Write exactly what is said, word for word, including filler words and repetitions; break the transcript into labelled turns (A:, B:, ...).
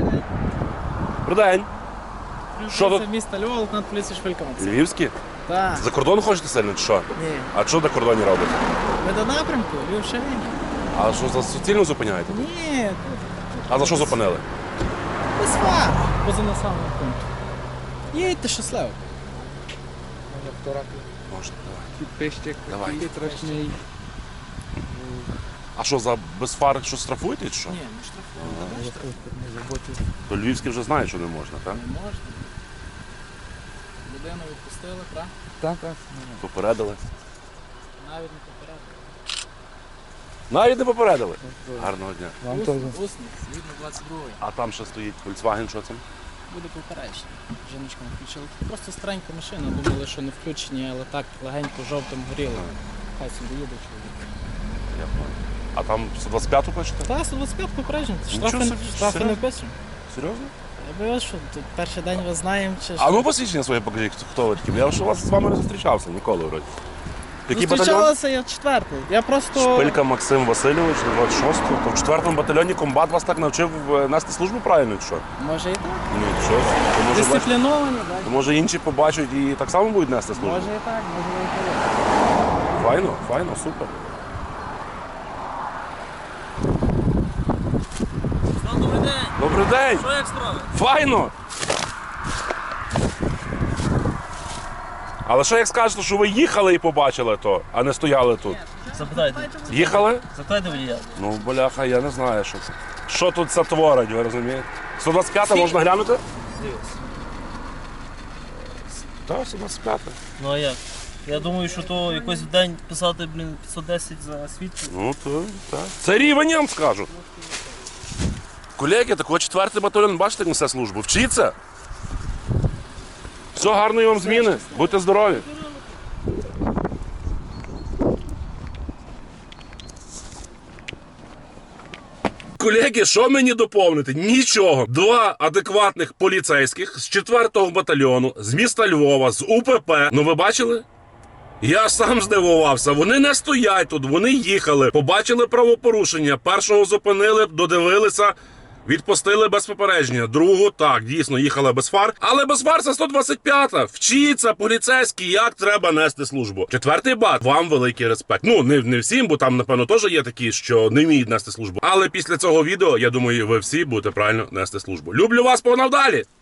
A: Добрий день. Що тут?
B: Це місто Львов, лейтенант поліції Швилька Максим.
A: Львівські?
B: Так.
A: За кордон хочете сильно чи що?
B: Ні.
A: А що на кордоні робите?
B: Ви до напрямку, Львів Шевень?
A: А що за суцільно зупиняєте?
B: Ні.
A: А за що зупинили?
B: Без фар. Поза населеним пунктом. Їдьте щасливо.
A: Можна, давай.
C: Підписчик,
A: Давай.
C: такий страшний.
A: А що, за без фар що штрафуєте чи що?
B: Ні, не штрафуємо.
C: Не заботив.
A: То львівські вже знають, що не можна, так?
B: Не можна. Людину відпустили, так?
C: Так, так.
A: Попередили.
B: Навіть не попередили.
A: Навіть не попередили. Гарного дня.
C: Вам
B: Ус-
C: теж.
B: Усний, згідно двадцять другої.
A: А там ще стоїть Volkswagen, що це?
B: Буде попередження. Жіночка не включила. Просто старенька машина, думали, що не включені, але так легенько жовтим горіло. Хай собі їде чоловік.
A: Я понял. А там сто двадцять п'яту пишете?
B: Та, сто двадцять п'ять попереджень.
A: Нічого
B: Штрафи,
A: собі,
B: штрафи не
A: серйозно?
B: вписуємо.
A: Серйозно?
B: Я боюсь, що тут перший день вас знаємо, чи
A: А ну посвідчення своє покажіть, хто- хто ви такі. Я ж у вас з вами не зустрічався ніколи вроді. Який батальйон?
B: Зустрічалася я четвертий. Я просто...
A: Шпилька Максим Васильович, двадцять шостого. То в четвертому батальйоні комбат вас так навчив е, нести службу правильно, чи що?
B: Може і так.
A: Ні, що? То може, бач-
B: Дисципліновані, так.
A: то може інші побачать і так само будуть нести службу?
B: Може і так, може і так.
A: Файно, файно, супер.
D: Добрий день!
A: Добрий день!
D: Що як справи?
A: Файно! Але що як скажете, що ви їхали і побачили то, а не стояли тут?
D: Запитайте.
A: Їхали?
D: Запитайте водія.
A: Ну, бляха, я не знаю, що це. Що тут це творить, ви розумієте? сто двадцять п'ята можна глянути? Так, сто двадцять п'ята.
D: Ну а як? Я думаю, що то якось в день писати, блін, п'ятсот десять за свідчення.
A: Ну, то так. Це рівень, я вам скажу. Колеги, такого четвертий батальйон, бачите, як несе службу. Вчіться. Все, гарної вам зміни. Будьте здорові. Колеги, що мені доповнити? Нічого. Два адекватних поліцейських з четвертого батальйону, з міста Львова, з УПП. Ну ви бачили? Я сам здивувався. Вони не стоять тут, вони їхали, побачили правопорушення. Першого зупинили, додивилися, відпустили без попередження. Другу, так, дійсно, їхала без фар. Але без фар це сто двадцять п'ята. Вчіться, поліцейські, як треба нести службу. Четвертий бат, вам великий респект. Ну, не, не всім, бо там, напевно, теж є такі, що не вміють нести службу. Але після цього відео, я думаю, ви всі будете правильно нести службу. Люблю вас, погнав далі!